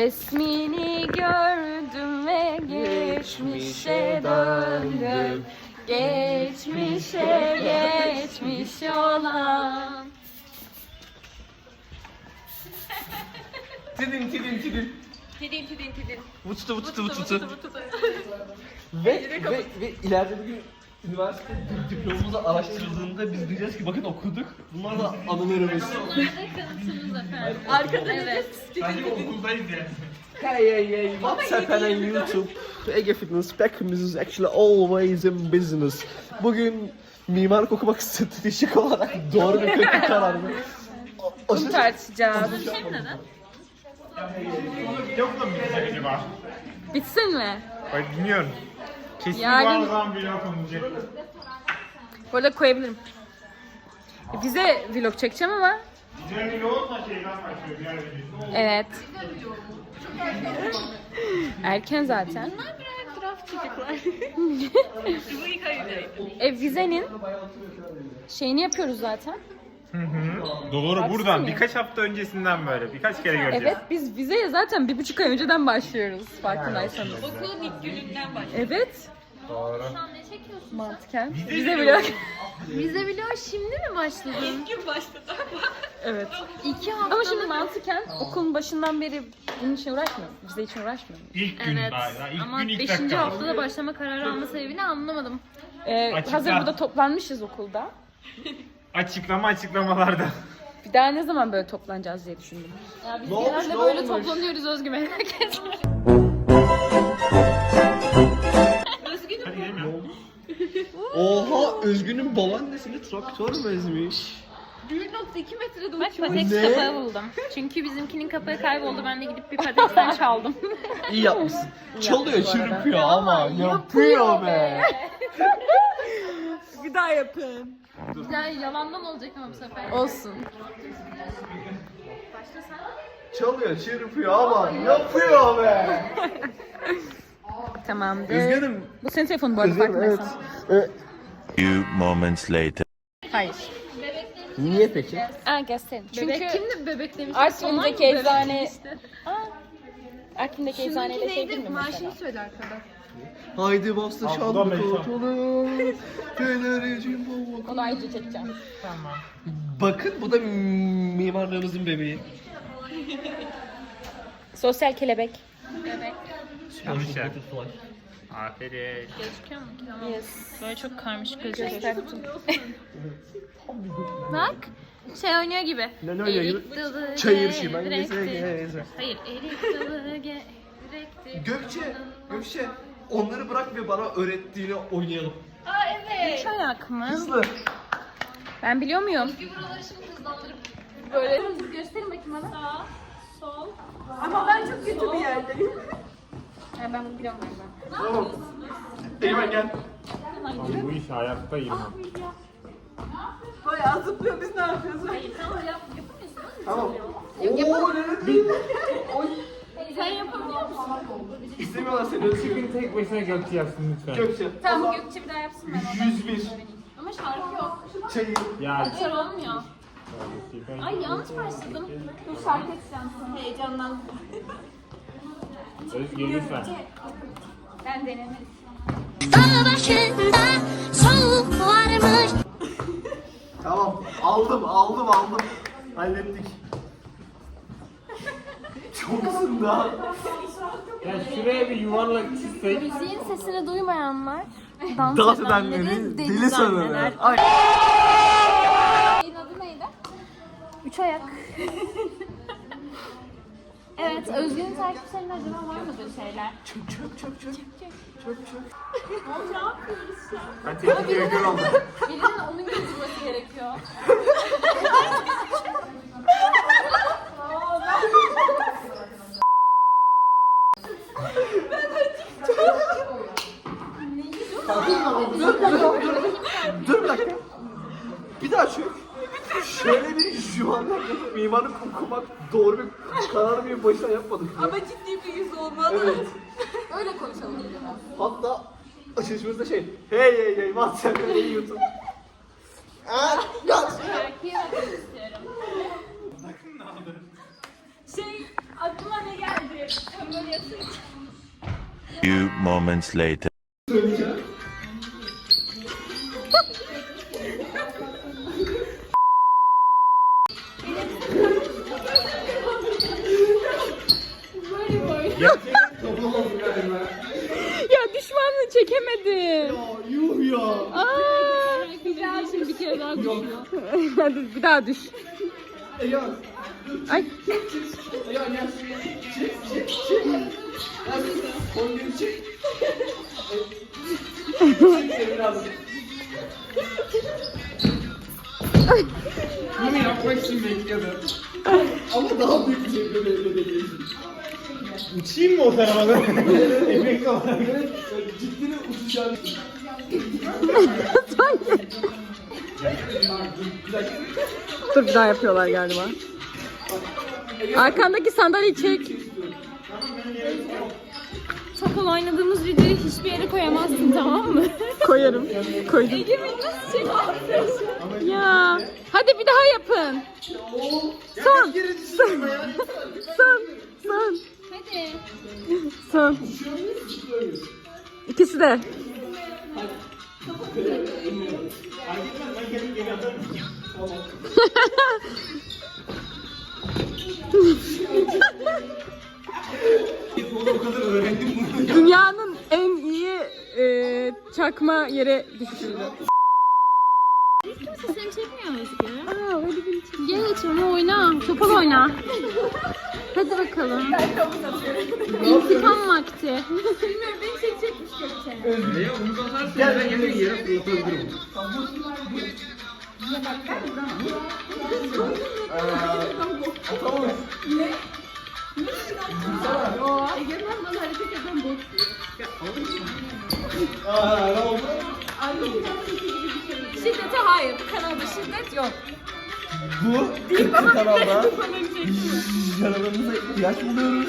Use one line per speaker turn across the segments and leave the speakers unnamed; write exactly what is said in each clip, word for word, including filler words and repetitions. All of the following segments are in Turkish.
Resmini gördüm ve geçmişe döndüm. Geçmişe geçmiş olan.
Tidin tidin tidin.
Tidin tidin tidin.
Vuçtu vuçtu vuçtu. Ve, ve, ve ileride bir gün üniversite diplomamızı araştırıldığında biz diyeceğiz ki bakın okuduk. Bunlar da anılarımız.
Arkada evet.
Sanki okuldayız ya.
Hey hey hey, what's happening YouTube? Ege Fitness Beckham is actually always in business. Bugün mimarlık okumak stratejik olarak doğru bir kötü karar mı?
Bunu tartışacağız.
Yok mu bize acaba?
Bitsin mi?
Bak bilmiyorum. Kesin
Yani-
var o zaman vlog olacak.
Bu arada koyabilirim. Bize vlog çekeceğim ama.
Güzel vlog olsa şeyden başlıyor. Diğer video.
Evet. Erken zaten. Bunlar birer graf çocuklar. e vizenin şeyini yapıyoruz zaten.
Hı hı. Doğru buradan birkaç hafta öncesinden böyle birkaç kere göreceğiz.
Evet biz vizeye zaten bir buçuk ay önceden başlıyoruz farkındaysanız.
Okulun ilk gününden başlıyor.
Evet.
Doğru.
Şu an ne çekiyorsun?
Mantıken.
Vize
Vize
vlog.
vlog.
Vize vlog şimdi mi başladı? İlk gün başladı.
Evet.
İki hafta.
Ama şimdi mantıken okulun başından beri bunun için uğraşmıyorum. Vize için uğraşmıyorum.
İlk gün
Evet.
daha. daha ilk
Ama
gün ilk
beşinci
dakika.
haftada başlama kararı alma sebebini anlamadım.
Ee,
Açıkla.
hazır burada toplanmışız okulda.
Açıklama açıklamalarda.
Bir daha ne zaman böyle toplanacağız diye düşündüm.
Ya biz
Ne olmuş,
genelde
ne
böyle
olmuş?
toplanıyoruz Özgü merak etme. Özgü'nün
Hadi gidelim ya.
Oha, Özgün'ün babaannesini traktör mü ezmiş?
bir nokta iki metrede
Bak
uçuyor.
Patex
Ne?
kapağı buldum. Çünkü bizimkinin kapağı kayboldu. Ben de gidip bir Patex'ten çaldım.
İyi yapmışsın. Çalıyor,
yapmış bu arada.
çırpıyor ama yapıyor be.
Bir daha yapın.
Güzel yalandan olacak ama bu sefer.
Olsun.
Çalıyor, çırpıyor ama yapıyor be.
Tamamdır.
Özgün'üm.
Bu senin telefonun bu arada
Özgün'üm evet.
farkındaysan.
evet.
Few moments later.
Hayır.
Niye peki?
Aa gösterin. Çünkü
Bebek kimdi bebek demiş?
Artvin'deki eczane... Aa, Artvin'deki eczaneyle
Şununki
şey değil
neydi?
mi mesela?
Maaşını söyle arkada.
Haydi bastı
Aa, bu da
şanlı
mekan.
koçalım. Fenericim baba.
Onu ayrıca çekeceğim.
Tamam.
Bakın bu da mimarlığımızın bebeği.
Sosyal kelebek.
Konuşacak. Aferin.
Gözüküyor mu ki? Tamam.
Yes.
Böyle çok karmaşık gözüküyor.
Gösterdim.
Bak. Şey oynuyor gibi.
Ne oynuyor gibi?
Erik dalı
Çayır şimen
gevrektir.
geze.
Hayır, erik dalı gevrektir.
Gökçe, Gökçe. Onları bırak ve bana öğrettiğini oynayalım.
Aa evet.
Üç ayak mı?
Hızlı.
Ben biliyor muyum?
Bir buraları şimdi hızlandırıp
Böyle.
gösterin bakayım bana. Sağ, sol.
Ama ben çok kötü bir yerdeyim. Yani ben bunu biliyorum ben.
Tamam. Eymen gel.
Abi bu iş hayatta yirmi.
Bayağı zıplıyor biz ne yapıyoruz?
Hayır, tamam yap, yapamıyorsun.
Tamam. Oo, evet.
Sen yapabiliyor musun?
İstemiyorlar seni Özgür.
Bugün tek başına Gökçe yapsın lütfen.
Gökçe.
Tamam Gökçe bir daha yapsın ben.
yüz bir.
Ama şarkı yok.
Çayır.
Ya.
Şarkı olmuyor. Ay yanlış başladım.
Dur şarkı edeceğim sana.
Heyecanlandım.
Özgür lütfen.
Ben denemedim.
Dağ başında soğuk varmış.
Tamam. Aldım, aldım, aldım. Hallettik. Çok ısındı ha.
Ya şuraya bir yuvarlak çizsek.
Müziğin sesini duymayanlar dans,
Dans
edenleri
edenleri
deli,
deli
zanneder.
sanırlar. Ay.
Şeyin adı neydi? Üç ayak. Evet, Özgür'ün takipçilerinde acaba var mıdır şeyler?
Çök çök çök çök. Çök çök.
Ne yapıyoruz şu an?
Ben teknik direktör oldum.
Birinin onun gibi durması gerekiyor.
Dur bir dakika. Bir daha çök. Şöyle bir yuvarlak yapıp mimarlık okumak doğru bir karar bir başına yapmadık.
Ama ciddi bir yüz olmalı.
Evet.
Öyle konuşalım.
Hatta açılışımızda şey. Hey hey hey WhatsApp hey YouTube. Aa, yaz.
Şarkıyı bakmak istiyorum.
Şey aklıma ne geldi?
Few moments later.
Ya düşmanlığı çekemedim.
Yuh ya.
Aa, güzel. Şimdi bir kere daha düşüyor. Hadi bir daha düş.
Egemen.
Ay.
Egemen gel. Çek çek çek. Hadi. Son geri çek. Çek seni biraz. Bunu yapmak için bekliyordum. Ama daha büyük bir şekilde bekleyebilirsin.
Uçayım mı o tarafa da? Efekt olarak.
Ciddi uçacağını.
Dur bir daha yapıyorlar galiba. Arkandaki sandalyeyi çek. Topal oynadığımız videoyu hiçbir yere koyamazsın, tamam mı? Koyarım. Koydum. Egemen nasıl çekiyorsun? Ya. Hadi bir daha yapın. Son. Son. Son. Son.
Hadi.
Son. İkisi de. Dünyanın en iyi e, çakma yere düşüşüydü.
Kimse seni çekmiyor Özgür.
Aa, hadi beni çek. Geç onu oyna. Topal oyna. Hadi bakalım. İntikam vakti.
Bilmiyorum beni çekecekmiş gibi.
Gel ben yere yere fırlatabilirim. Tamam.
Egemen bana hareket eden bot.
Aa, ne oldu?
Şiddete hayır. Bu kanalda şiddet yok.
Bu kırk kanalda yaralarımıza ihtiyaç buluyoruz.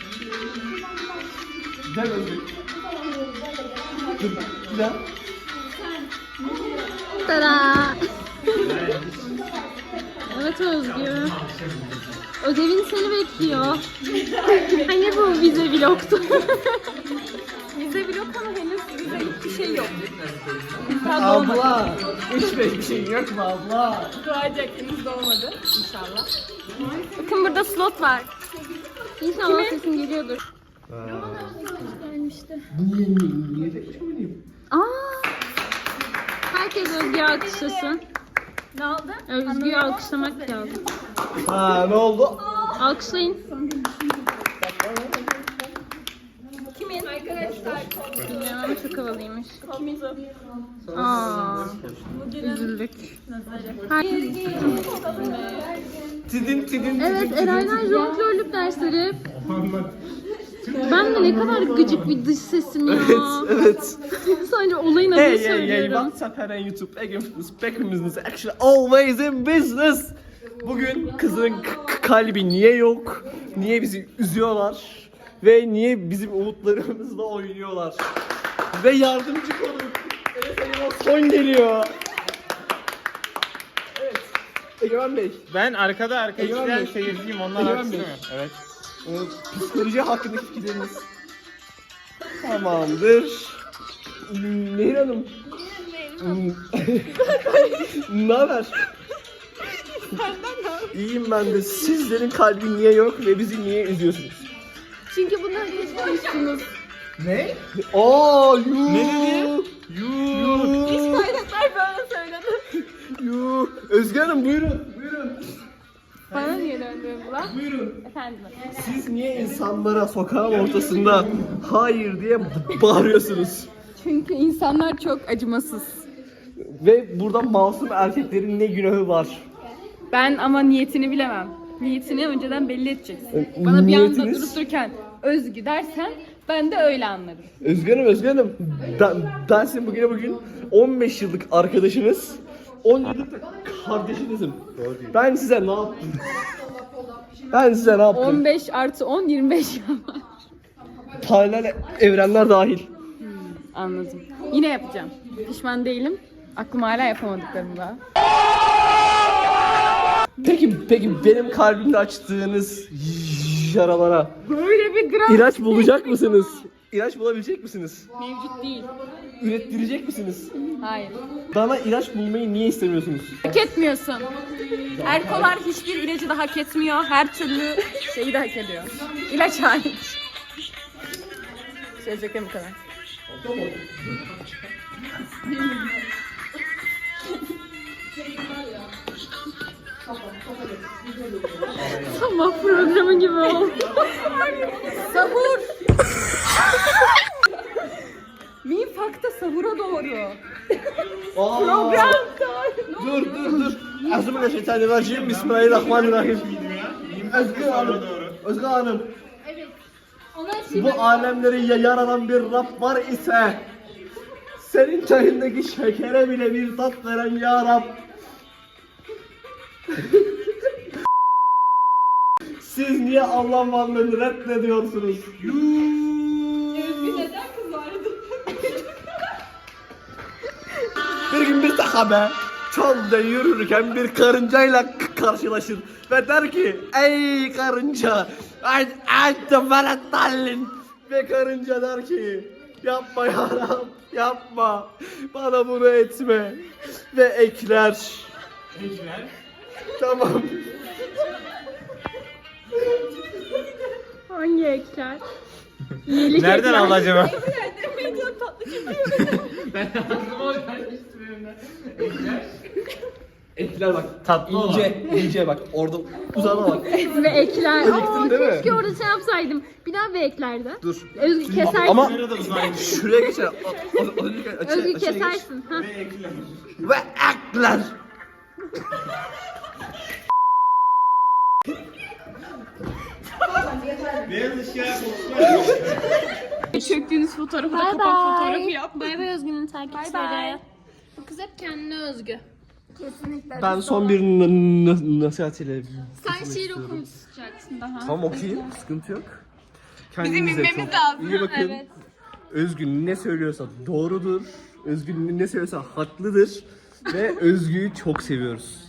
Gel Özgür. Dur, gel.
Tada. Evet Özgür. Ödevin seni bekliyor. Hani bu vize vlogtu.
Vize vlog ama henüz vize hiçbir şey yok.
Abla, üç beş bir şey yok mu abla?
Doğacak henüz doğmadı inşallah.
Bakın burada slot var. İnşallah sesin geliyordur.
Niye, niye de söyleyeyim?
Aa! Herkes Özgür'ü alkışlasın.
Ne oldu?
Özgür'ü alkışlamak lazım.
Ha, ne oldu?
Alkışlayın.
Kimin? Arkadaşlar.
Ya çok havalıymış. Aa, üzüldük. Her-
Tidin tidin.
Evet, Eray'dan jonglörlük dersleri. Ben de ne kadar gıcık bir dış sesim ya.
Evet, evet.
Sadece olayın adını
Hey, hey, hey,
söylüyorum.
WhatsApp, her an YouTube, Ege Fitness, back in business, actually always in business. Bugün kızın k- kalbi niye yok? Niye bizi üzüyorlar? Ve niye bizim umutlarımızla oynuyorlar? Ve yardımcı konuk. Evet, Egemen son geliyor. Evet, Egemen Bey.
Ben arkada arka
Egemen
içten
Bey.
seyirciyim. Onlar
Egemen
haksız
Bey.
mı? Evet.
Ee, psikoloji hakkındaki fikirleriniz. Tamamdır. Hmm, Nehir Hanım. Hmm. Ne haber? İyiyim ben de. Sizlerin kalbi niye yok ve bizi niye üzüyorsunuz?
Çünkü bunları geçmemişsiniz.
Ne? Aa, yuh.
Ne dedi?
Yuh.
Kaynaklar böyle söyledi.
Yuh. Özge Hanım buyurun. Buyurun.
Bana niye döndün bu lan?
Buyurun.
Efendim.
Siz niye insanlara sokağın ortasında hayır diye bağırıyorsunuz?
Çünkü insanlar çok acımasız.
Ve burada masum erkeklerin ne günahı var?
Ben ama niyetini bilemem. Niyetini önceden belli edeceksin. Bana bir anda
Niyetiniz?
durup dururken Özgü dersen ben de öyle anlarım.
Özge Hanım, Özge Hanım. Ben, ben sizin bugüne bugün on beş yıllık arkadaşınız, on yıllık da kardeşinizim. Ben size ne yaptım? Ben size ne yaptım?
on beş artı on yirmi beş yapar.
Paralel evrenler dahil.
Anladım. Yine yapacağım. Pişman değilim. Aklım hala yapamadıklarım daha.
Peki, peki benim kalbimde açtığınız yaralara
Böyle bir gram
ilaç bulacak mısınız? İlaç bulabilecek misiniz?
mevcut değil.
Ürettirecek misiniz?
Hayır.
Bana ilaç bulmayı niye istemiyorsunuz?
Hak etmiyorsun. Erkolar hiçbir ilacı da hak etmiyor. Her türlü şeyi de hak ediyor. İlaç hariç. Söyleyeceklerim bu kadar. Sabah programı gibi oldu. Sahur. Mifakta sahura doğru.
Program. Dur dur dur. Euzubillahimineşşeytanirracim. Bismillahirrahmanirrahim. Özgür Hanım. Özgür Hanım. Bu alemleri ya- yaradan bir Rab var ise senin çayındaki şekere bile bir tat veren ya Rab. Siz niye Allah varlığını reddediyorsunuz? Bir gün bir sahabe çölde yürürken bir karıncayla k- karşılaşır ve der ki ey karınca ente veletallin ve karınca der ki yapma ya Rab yapma bana bunu etme ve ekler.
Ekler.
Tamam.
Hangi ekler?
Nereden aldı acaba?
Ekler bak
Tatlı
ince ince bak orada uzana bak.
Ve ekler.
Acıktın
Aa,
değil mi?
keşke orada şey yapsaydım. Bir daha bir eklerdi.
Dur.
Özgü kesersin.
Ama
Nerede uzaymış?
şuraya geçer. O- o- o- o- açı-
Özgü
açıya geç.
kesersin. Ha.
Ve ekler.
Ve ekler.
Beyaz ışığa koklar.
Çöktüğünüz fotoğrafı da
Bye
kapak
bye.
fotoğrafı yap.
Bay bay Özgün'ün takipçileri.
Bu kız hep kendine özgü.
Ben son bir n- n- nasihat ile
Sen şiir okumayacaksın daha.
tamam okuyayım sıkıntı yok. Kendinize
bilmemiz
çok
lazım.
iyi bakın.
Evet.
Özgün ne söylüyorsa doğrudur. Özgün ne söylüyorsa haklıdır. Ve Özgü'yü çok seviyoruz.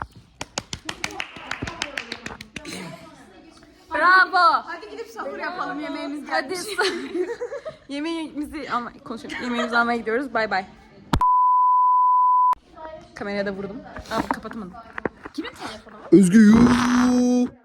Bravo. Hadi gidip sahur yapalım, yemeğimiz gelmiş. Hadi. Yemeğimizi ama konuşalım. Yemeğimizi almaya gidiyoruz. Bay bay. Kameraya da vurdum. Aa kapatamadım. Kimin telefonu?
Özgü yuuu.